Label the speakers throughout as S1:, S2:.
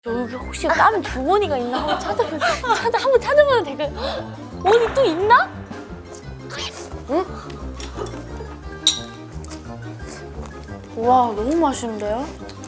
S1: 여기 혹시 다른 주머니가 있나 한번 한번 찾아보면 될까요? 어디 또 있나? 응? 와, 너무 맛있는데요?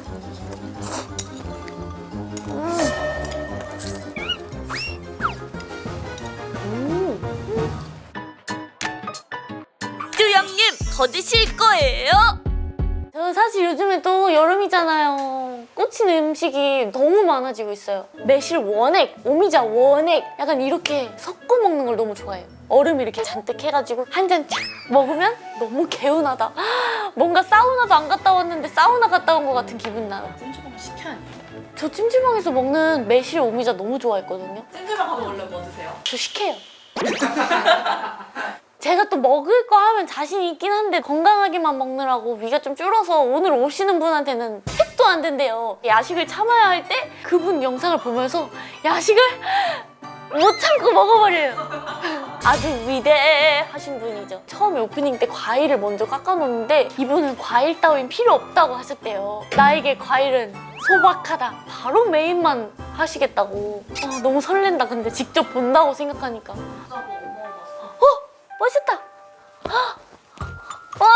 S1: 뚜영님, 더 드실 거예요? 저는 사실 요즘에 또 여름이잖아요. 꽂힌 음식이 너무 많아지고 있어요. 매실 원액, 오미자 원액 약간 이렇게 섞어 먹는 걸 너무 좋아해요. 얼음 이렇게 잔뜩 해가지고 한 잔 쫙 먹으면 너무 개운하다. 뭔가 사우나도 안 갔다 왔는데 사우나 갔다 온 것 같은 기분 나요.
S2: 찜질방 시켜야 돼요.
S1: 저 찜질방에서 먹는 매실 오미자 너무 좋아했거든요.
S2: 찜질방 가면 원래 뭐 드세요?
S1: 저 식혜요. 제가 또 먹을 거 하면 자신이 있긴 한데 건강하게만 먹느라고 위가 좀 줄어서 오늘 오시는 분한테는 택도 안 된대요. 야식을 참아야 할 때 그분 영상을 보면서 야식을 못 참고 먹어버려요. 아주 위대하신 분이죠. 처음에 오프닝 때 과일을 먼저 깎아놓는데 이분은 과일 따윈 필요 없다고 하셨대요. 나에게 과일은 소박하다. 바로 메인만 하시겠다고. 너무 설렌다. 근데 직접 본다고 생각하니까. 멋있다. 와!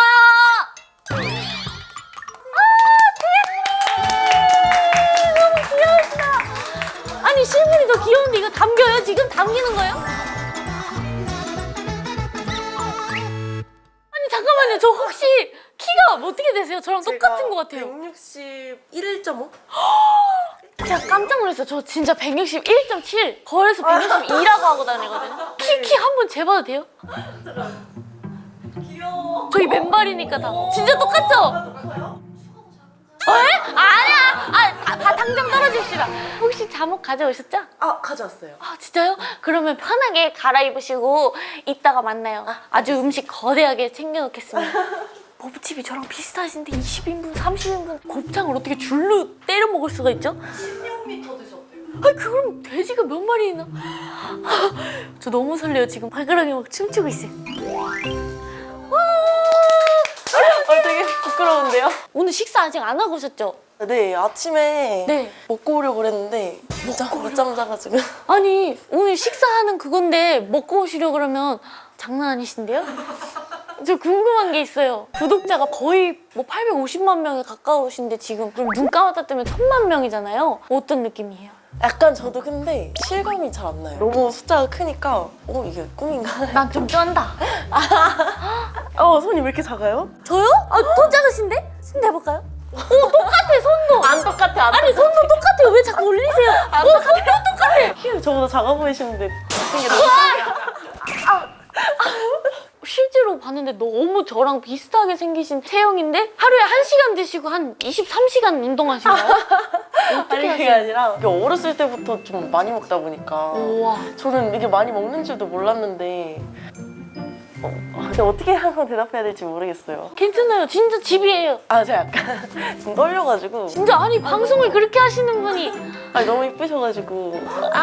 S1: 너무 귀여우시다. 아니 실물이 더 귀여운데 이거 담겨요? 지금 담기는 거예요? 아니 잠깐만요. 저 혹시 키가 어떻게 되세요? 저랑 똑같은 것 같아요.
S2: 161.5?
S1: 제가 깜짝 놀랐어요. 저 진짜 161.7. 거울에서 162라고 하고 다니거든요. 키 한 번 재봐도 돼요?
S2: 귀여워.
S1: 저희 맨발이니까 다. 진짜 똑같죠?
S2: 똑같아요?
S1: 에? 아니야! 당장 떨어집시다. 혹시 잠옷 가져오셨죠?
S2: 아, 가져왔어요.
S1: 아, 진짜요? 그러면 편하게 갈아입으시고 이따가 만나요. 아주 음식 거대하게 챙겨놓겠습니다. 버브칩이 저랑 비슷하신데 20인분, 30인분 곱창을 어떻게 줄로 때려 먹을 수가 있죠?
S2: 16m 드셨대요.
S1: 아니 그럼 돼지가 몇 마리 있나? 저 너무 설레요. 지금 발가락이 막 춤추고 있어요.
S2: 되게 부끄러운데요?
S1: 오늘 식사 아직 안 하고 오셨죠?
S2: 네, 아침에
S1: 네.
S2: 먹고 오려고 그랬는데 늦잠 자가지고.
S1: 아니 오늘 식사하는 그건데 먹고 오시려고 그러면 장난 아니신데요? 저 궁금한 게 있어요. 구독자가 거의 뭐 850만 명에 가까우신데 지금 그럼 눈 감았다 뜨면 1000만 명이잖아요. 어떤 느낌이에요?
S2: 약간 저도 근데 실감이 잘 안 나요. 너무 숫자가 크니까 이게 꿈인가?
S1: 난 좀 쩐다.
S2: 손이 왜 이렇게 작아요?
S1: 저요? 더 작으신데? 손 대볼까요? 똑같아 손도.
S2: 안 똑같아,
S1: 아니 손도 똑같아요. 왜 자꾸 올리세요? 손도 똑같아.
S2: 키가 저보다 작아 보이시는데 같은 게 너무
S1: 실제로 봤는데 너무 저랑 비슷하게 생기신 체형인데 하루에 1시간 드시고 한 23시간 운동하시나요?
S2: 아니 그게 아니라 이게 어렸을 때부터 좀 많이 먹다 보니까
S1: 우와.
S2: 저는 이게 많이 먹는 줄도 몰랐는데 근데 어떻게 항상 대답해야 될지 모르겠어요.
S1: 괜찮아요. 진짜 집이에요.
S2: 제가 약간 지금 떨려가지고
S1: 진짜 아니 방송을 그렇게 하시는 분이
S2: 너무 이쁘셔가지고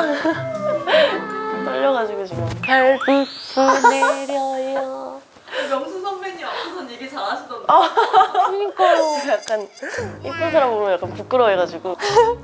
S2: 떨려가지고 지금
S1: 별빛이 내려요.
S3: 명수 선배님 앞에서는 얘기 잘하시던데.
S1: 그러니까요.
S2: 제가 약간 이쁜 사람 보면 약간 부끄러워해가지고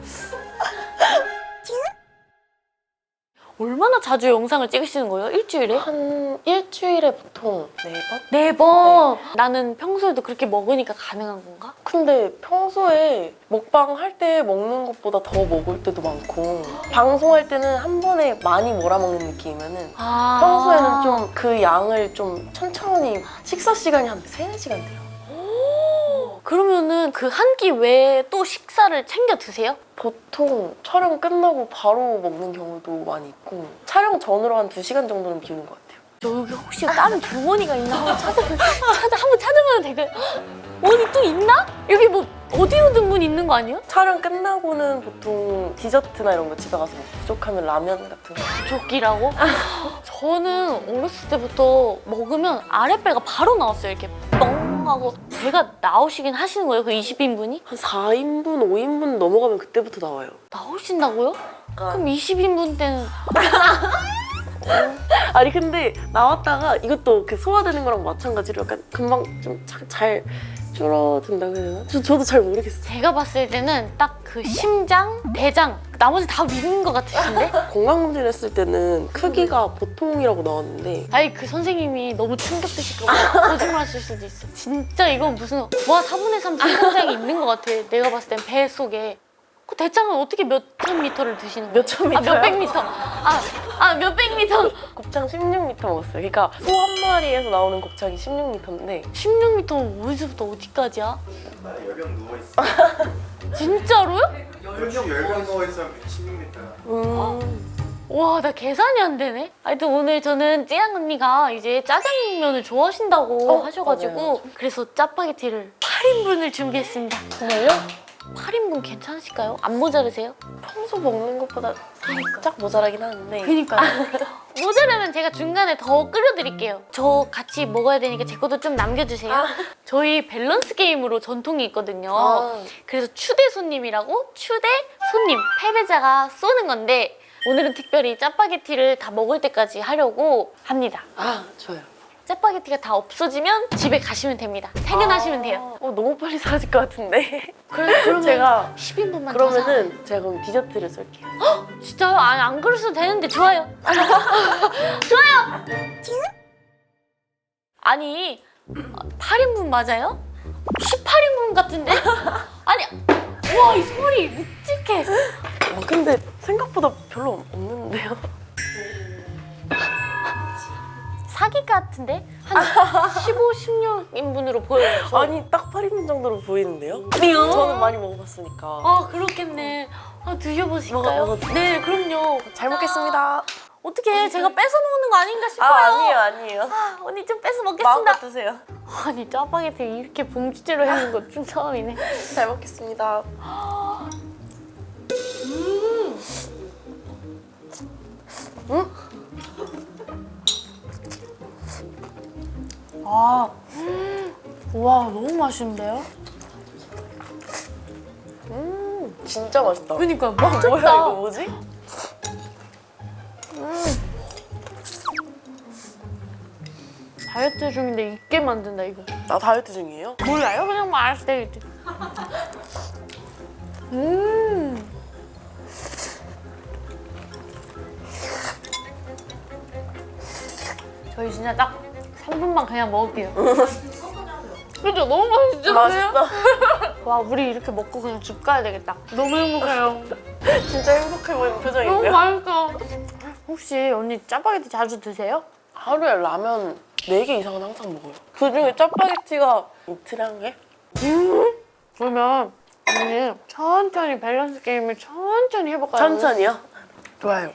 S1: 얼마나 자주 영상을 찍으시는 거예요? 일주일에?
S2: 한 일주일에 보통 4번?
S1: 4번. 나는 평소에도 그렇게 먹으니까 가능한 건가?
S2: 근데 평소에 먹방 할 때 먹는 것보다 더 먹을 때도 많고 방송할 때는 한 번에 많이 몰아먹는 느낌이면은 평소에는 좀 그 양을 좀 천천히 식사 시간이 한 3-4시간 돼요.
S1: 그러면은 그 한 끼 외에 또 식사를 챙겨 드세요?
S2: 보통 촬영 끝나고 바로 먹는 경우도 많이 있고 촬영 전으로 한 2시간 정도는 비우는 것 같아요.
S1: 여기 혹시 다른 주머니가 있나 한번 한번 찾아봐도 될까요? 어디 또 있나? 여기 뭐 어디로든 문 있는 거 아니에요?
S2: 촬영 끝나고는 보통 디저트나 이런 거 집에 가서 먹고 부족하면 라면 같은 거.
S1: 조끼라고? 저는 어렸을 때부터 먹으면 아랫배가 바로 나왔어요. 이렇게 뻥 하고. 배가 나오시긴 하시는 거예요? 그 20인분이?
S2: 한 4인분, 5인분 넘어가면 그때부터 나와요.
S1: 나오신다고요? 그럼 20인분 때는
S2: 아니 근데 나왔다가 이것도 그 소화되는 거랑 마찬가지로 약간 금방 좀 잘 줄어든다고 해야 되나? 저도 잘 모르겠어요.
S1: 제가 봤을 때는 딱 그 심장, 대장 나머지 다 위인 것 같으신데?
S2: 건강검진 했을 때는 크기가 보통이라고 나왔는데
S1: 아니 그 선생님이 너무 충격 드실까 봐 거짓말 하실 수도 있어. 진짜 이건 무슨 9와 4분의 3 성장이 있는 것 같아. 내가 봤을 땐 배 속에. 그 대장은 어떻게 몇천 미터를 드시는 거예요?
S2: 몇천 미터요?
S1: 몇백 미터. 몇백 미터.
S2: 곱창 16m 먹었어요. 그러니까 소 한 마리에서 나오는 곱창이 16m인데
S1: 16미터 어디서부터 어디까지야?
S4: 나 열병 누워있어.
S1: 진짜로요?
S4: 열병 누워있어 16m.
S1: 와, 나 계산이 안 되네. 하여튼 오늘 저는 찌양 언니가 이제 짜장면을 좋아하신다고 하셔가지고
S2: 맞아요.
S1: 그래서 짜파게티를 8인분을 준비했습니다.
S2: 정말요?
S1: 8인분 괜찮으실까요? 안 모자르세요?
S2: 평소 먹는 것보다 살짝 모자라긴 하는데
S1: 그니까요. 모자라면 제가 중간에 더 끓여드릴게요. 저 같이 먹어야 되니까 제 것도 좀 남겨주세요. 저희 밸런스 게임으로 전통이 있거든요. 그래서 추대 손님이라고 추대 손님 패배자가 쏘는 건데 오늘은 특별히 짜파게티를 다 먹을 때까지 하려고 합니다.
S2: 좋아요.
S1: 짜파게티가 다 없어지면 집에 가시면 됩니다. 퇴근하시면 돼요.
S2: 너무 빨리 사라질 것 같은데
S1: 그러면
S2: 제가
S1: 10인분만 더
S2: 그러면은 제가 그럼 디저트를 쏠게요.
S1: 진짜요? 아니 안 그러셔도 되는데 좋아요. 좋아요. 아니 8인분 맞아요? 18인분 같은데? 아니 와 이 소리 묵직해.
S2: 근데 생각보다 별로 없는데요?
S1: 사기 같은데? 한 15, 16인분으로 보여요. 저.
S2: 아니 딱 8인분 정도로 보이는데요?
S1: 아니요.
S2: 저는 많이 먹어봤으니까.
S1: 아 그렇겠네. 드셔보실까요?
S2: 먹어도
S1: 네 그럼요.
S2: 잘 먹겠습니다.
S1: 어떻게 제가 뺏어 먹는 거 아닌가 싶어요.
S2: 아니에요.
S1: 언니 좀 뺏어
S2: 마음껏
S1: 먹겠습니다.
S2: 드세요.
S1: 아니 짜파게티 이렇게 봉지째로 해는 거 좀 처음이네.
S2: 잘 먹겠습니다.
S1: 와 너무 맛있는데요?
S2: 진짜 맛있다.
S1: 그러니까
S2: 뭐야 이거 뭐지?
S1: 다이어트 중인데 있게 만든다 이거.
S2: 나 다이어트 중이에요?
S1: 몰라요? 그냥 말할 때 이제. 저희 진짜 딱 3분만 그냥 먹을게요. 그죠? 너무 맛있죠?
S2: 맛있다.
S1: 와 우리 이렇게 먹고 그냥 집 가야 되겠다. 너무 행복해요.
S2: 진짜 행복해 보이는
S1: 너무
S2: 표정인데요?
S1: 맛있어. 혹시 언니 짜파게티 자주 드세요?
S2: 하루에 라면 4개 이상은 항상 먹어요. 그중에 짜파게티가 이틀에 한 개?
S1: 그러면 언니 천천히 밸런스 게임을 천천히 해볼까요?
S2: 천천히요? 좋아요.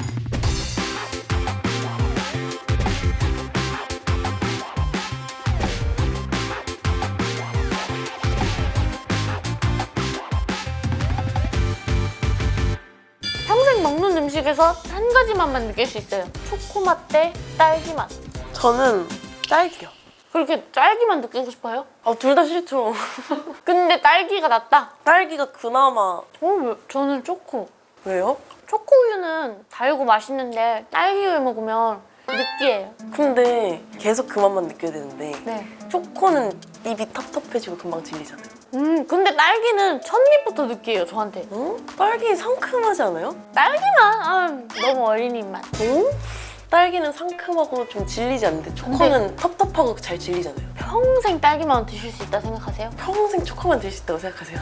S1: 평생 먹는 음식에서 한 가지 맛만 느낄 수 있어요. 초코 맛 대 딸기 맛.
S2: 저는 딸기요.
S1: 그렇게 딸기만 느끼고 싶어요?
S2: 둘 다 싫죠.
S1: 근데 딸기가 낫다.
S2: 딸기가 그나마.
S1: 저는 초코.
S2: 왜요?
S1: 초코우유는 달고 맛있는데 딸기우유 먹으면 느끼해요.
S2: 근데 계속 그 맛만 느껴야 되는데
S1: 네.
S2: 초코는 입이 텁텁해지고 금방 질리잖아요.
S1: 근데 딸기는 첫 입부터 느끼해요, 저한테.
S2: 딸기 상큼하지 않아요?
S1: 딸기만 너무 어린이 맛.
S2: 딸기는 상큼하고 좀 질리지 않는데 초코는 텁텁하고 잘 질리잖아요.
S1: 평생 딸기만 드실 수 있다 생각하세요?
S2: 평생 초코만 드실 수 있다고 생각하세요?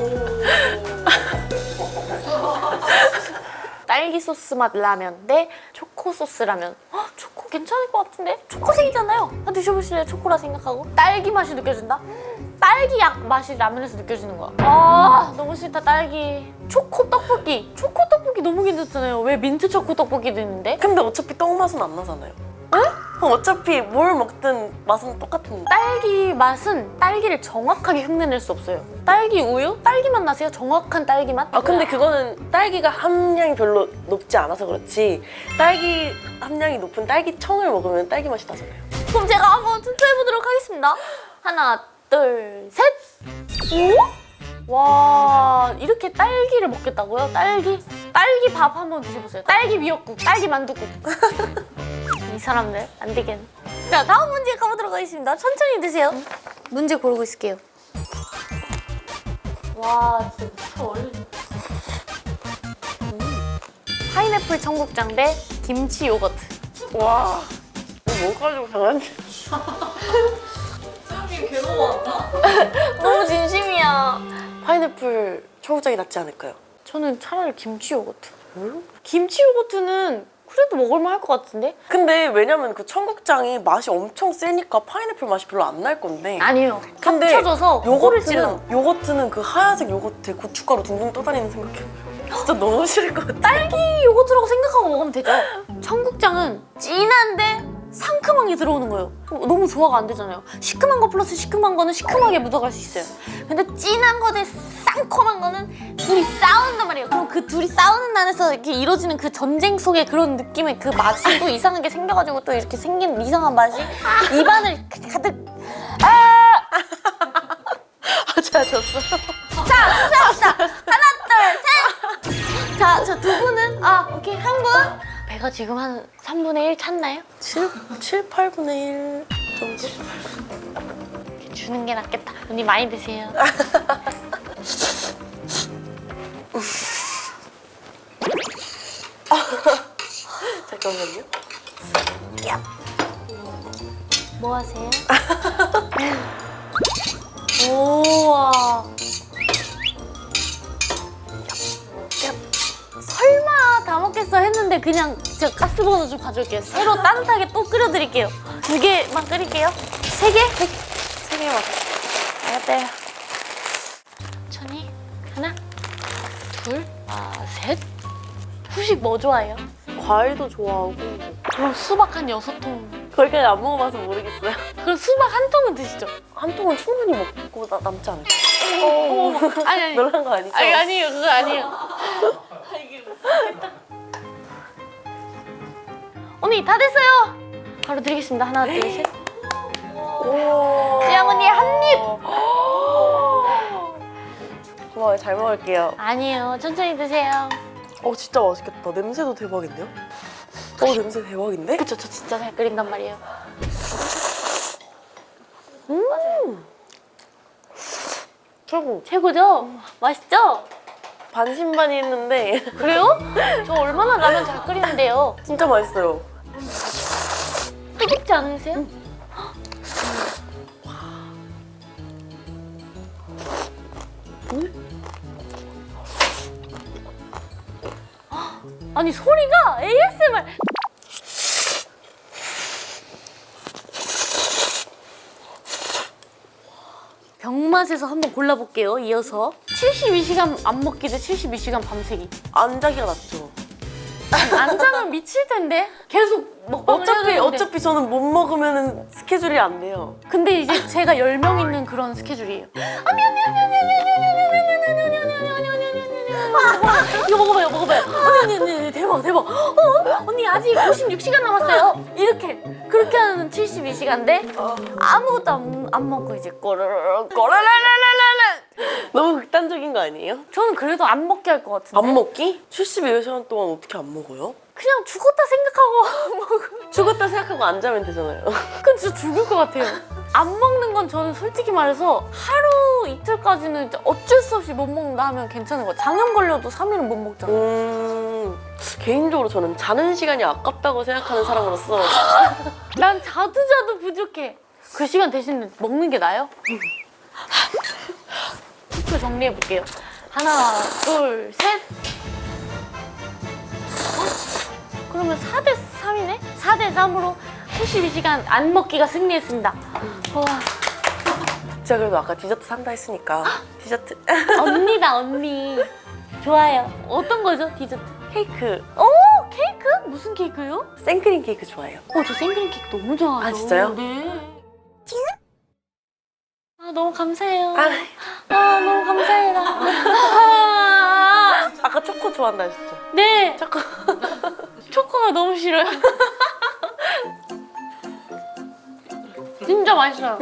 S1: 딸기 소스 맛 라면 대 초코 소스 라면. 초코 괜찮을 것 같은데? 초코색이잖아요. 드셔보실래요? 초코라 생각하고. 딸기 맛이 느껴진다? 딸기 약 맛이 라면에서 느껴지는 거야. 너무 싫다 딸기. 초코 떡볶이. 초코 떡볶이 너무 괜찮잖아요. 왜 민트 초코 떡볶이도 있는데?
S2: 근데 어차피 떡 맛은 안 나잖아요. 어차피 뭘 먹든 맛은 똑같은데.
S1: 딸기 맛은 딸기를 정확하게 흉내낼 수 없어요. 딸기 우유? 딸기 맛 나세요? 정확한 딸기 맛?
S2: 근데 그거는 딸기가 함량이 별로 높지 않아서 그렇지 딸기 함량이 높은 딸기청을 먹으면 딸기 맛이 나잖아요.
S1: 그럼 제가 한번 투표해보도록 하겠습니다. 하나, 둘, 셋! 오? 와, 이렇게 딸기를 먹겠다고요? 딸기 밥 한번 드셔보세요. 딸기 미역국, 딸기 만두국. 이 사람들 안 되겠네. 자, 다음 문제 가보도록 하겠습니다. 천천히 드세요. 문제 고르고 있을게요. 와, 진짜 어려워. 파인애플 청국장 대 김치 요거트.
S2: 와, 이거 뭐 가지고 장난치?
S3: 수영님 괴로워한다.
S1: 너무 진심이야.
S2: 파인애플 청국장이 낫지 않을까요?
S1: 저는 차라리 김치 요거트. 김치 요거트는 그래도 먹을만 할 것 같은데?
S2: 근데 왜냐면 그 청국장이 맛이 엄청 세니까 파인애플 맛이 별로 안 날 건데.
S1: 아니에요.
S2: 근데
S1: 합쳐져서 코를 찔러.
S2: 요거트는 그 하얀색 요거트에 고춧가루 둥둥 떠다니는 생각해. 진짜 너무 싫을 것 같아.
S1: 딸기 요거트라고 생각하고 먹으면 되죠. 청국장은 진한데 상큼한 게 들어오는 거예요. 너무 조화가 안 되잖아요. 시큼한 거 플러스 시큼한 거는 시큼하게 묻어갈 수 있어요. 근데 진한 거 대 상큼한 거는 둘이 싸운단 말이에요. 그럼 그 둘이 싸우는 안에서 이렇게 이루어지는 그 전쟁 속의 그런 느낌의 그 맛이 또 이상하게 생겨가지고 또 이렇게 생긴 이상한 맛이 입안을 가득.
S2: 아, 제가 졌어.
S1: 자, 투표합시다. 하나, 둘, 셋. 자, 저 두 분은 오케이 한 분. 배가 지금 한 3분의 1 찼나요?
S2: 7, 8분의 1 정도?
S1: 주는 게 낫겠다. 언니 많이 드세요.
S2: 잠깐만요.
S1: 뭐 하세요? 우와. 설마 다 먹겠어 했는데 그냥 제가 가스버너 좀 가져올게요. 새로 따뜻하게 또 끓여드릴게요. 2개만 끓일게요. 3개?
S2: 3개만.
S1: 알았대요. 천천히. 하나, 둘, 셋. 후식 뭐 좋아해요?
S2: 과일도 좋아하고.
S1: 그럼 수박 한 6통.
S2: 거기까지 안 먹어봐서 모르겠어요.
S1: 그럼 수박 한 통은 드시죠?
S2: 한 통은 충분히 먹고 남지 않을까?
S1: 아니.
S2: 놀란 거 아니죠?
S1: 아니에요. 그거 아니에요. 언니 다 됐어요. 바로 드리겠습니다. 하나, 둘, 셋. 지영 언니 한 입.
S2: 고마워요. 잘 먹을게요.
S1: 아니에요. 천천히 드세요.
S2: 진짜 맛있겠다. 냄새도 대박인데요? 냄새 대박인데?
S1: 그쵸, 저 진짜 잘 끓인단 말이에요.
S2: 최고.
S1: 최고죠? 맛있죠?
S2: 반신반의했는데
S1: 그래요? 저 얼마나 라면 잘 끓이는데요.
S2: 진짜 맛있어요.
S1: 뜨겁지 않으세요? 아니 소리가 ASMR. 병맛에서 한번 골라볼게요. 이어서 72시간 안 먹기 대 72시간 밤새기.
S2: 안 자기가 낫죠.
S1: 안 자면 미칠 텐데. 계속 먹방을 해야 되는데.
S2: 어차피 저는 못 먹으면 스케줄이 안 돼요.
S1: 근데 이제 제가 10명 있는 그런 스케줄이에요. 이거 먹어봐요. 언니, 대박. 언니 아직 56시간 남았어요. 그렇게 하는 72시간인데 아무것도 안 먹고 이제 꼬르르르.
S2: 너무 극단적인 거 아니에요?
S1: 저는 그래도 안 먹게 할 것 같은데.
S2: 안 먹기? 72시간 동안 어떻게 안 먹어요?
S1: 그냥 죽었다 생각하고 먹으면.
S2: 죽었다 생각하고 안 자면 되잖아요.
S1: 그건 진짜 죽을 것 같아요. 안 먹는 건 저는 솔직히 말해서 하루 이틀까지는 진짜 어쩔 수 없이 못 먹는다 하면 괜찮은 거예요. 장염 걸려도 3일은 못 먹잖아요.
S2: 개인적으로 저는 자는 시간이 아깝다고 생각하는 사람으로서
S1: 난 자도 부족해. 그 시간 대신 먹는 게 나아요? 투표 정리해볼게요. 하나, 둘, 셋. 그러면 4대 3이네? 4대 3으로 72시간 안 먹기가 승리했습니다. 와,
S2: 제가 그래도 아까 디저트 산다 했으니까 디저트
S1: 언니다, 언니. 좋아요. 어떤 거죠, 디저트?
S2: 케이크
S1: 오, 케이크? 무슨 케이크요?
S2: 생크림 케이크 좋아해요.
S1: 저 생크림 케이크 너무 좋아하죠.
S2: 아, 진짜요?
S1: 네. 너무 감사해요.
S2: 아.
S1: 너무 감사해요.
S2: 아까 초코 좋아한다 하셨죠?
S1: 네.
S2: 초코
S1: 초코가 너무 싫어요. 진짜 맛있어요.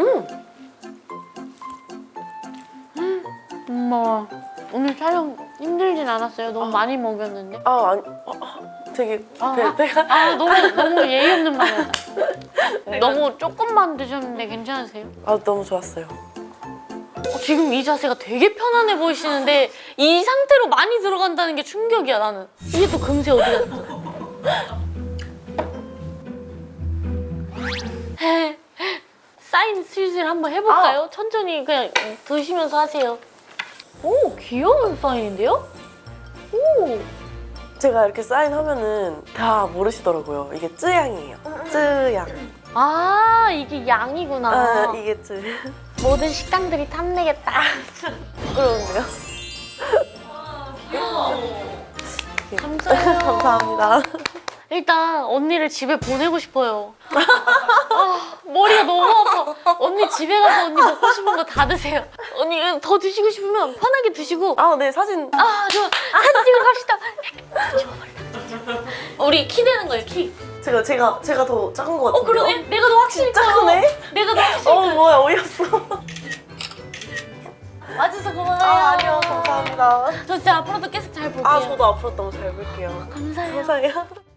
S1: 엄마, 오늘 촬영 힘들진 않았어요? 너무 많이 먹였는데.
S2: 아니 되게
S1: 너무 예의 없는 말이야. 너무 조금만 드셨는데 괜찮으세요?
S2: 너무 좋았어요.
S1: 지금 이 자세가 되게 편안해 보이시는데 이 상태로 많이 들어간다는 게 충격이야 나는. 이게 또 금세 어디 갔어? 사인 슬슬 한번 해볼까요? 천천히 그냥 드시면서 하세요. 오, 귀여운 사인인데요? 오,
S2: 제가 이렇게 사인하면은 다 모르시더라고요. 이게 쯔양이에요. 쯔양.
S1: 아 이게 양이구나.
S2: 이게 쯔.
S1: 모든 식당들이 탐내겠다.
S2: 부끄러운데요?
S1: 감사해요.
S2: 감사합니다.
S1: 일단 언니를 집에 보내고 싶어요. 머리가 너무 아파. 언니 집에 가서 언니 먹고 싶은 거 다 드세요. 언니 더 드시고 싶으면 편하게 드시고.
S2: 네, 사진.
S1: 저 사진 찍으러 갑시다. 우리 키 되는 거예요, 키.
S2: 제가 더 작은 것 같은데요?
S1: 그러네. 내가 더 확실히 커요.
S2: 작네?
S1: 내가 더 확실히 커요.
S2: 뭐야, 어이없어.
S1: 와줘서 고마워요.
S2: 아니요, 감사합니다.
S1: 저 진짜 앞으로도 계속 잘 볼게요.
S2: 저도 앞으로 너무 잘 볼게요.
S1: 감사해요.
S2: 감사해요.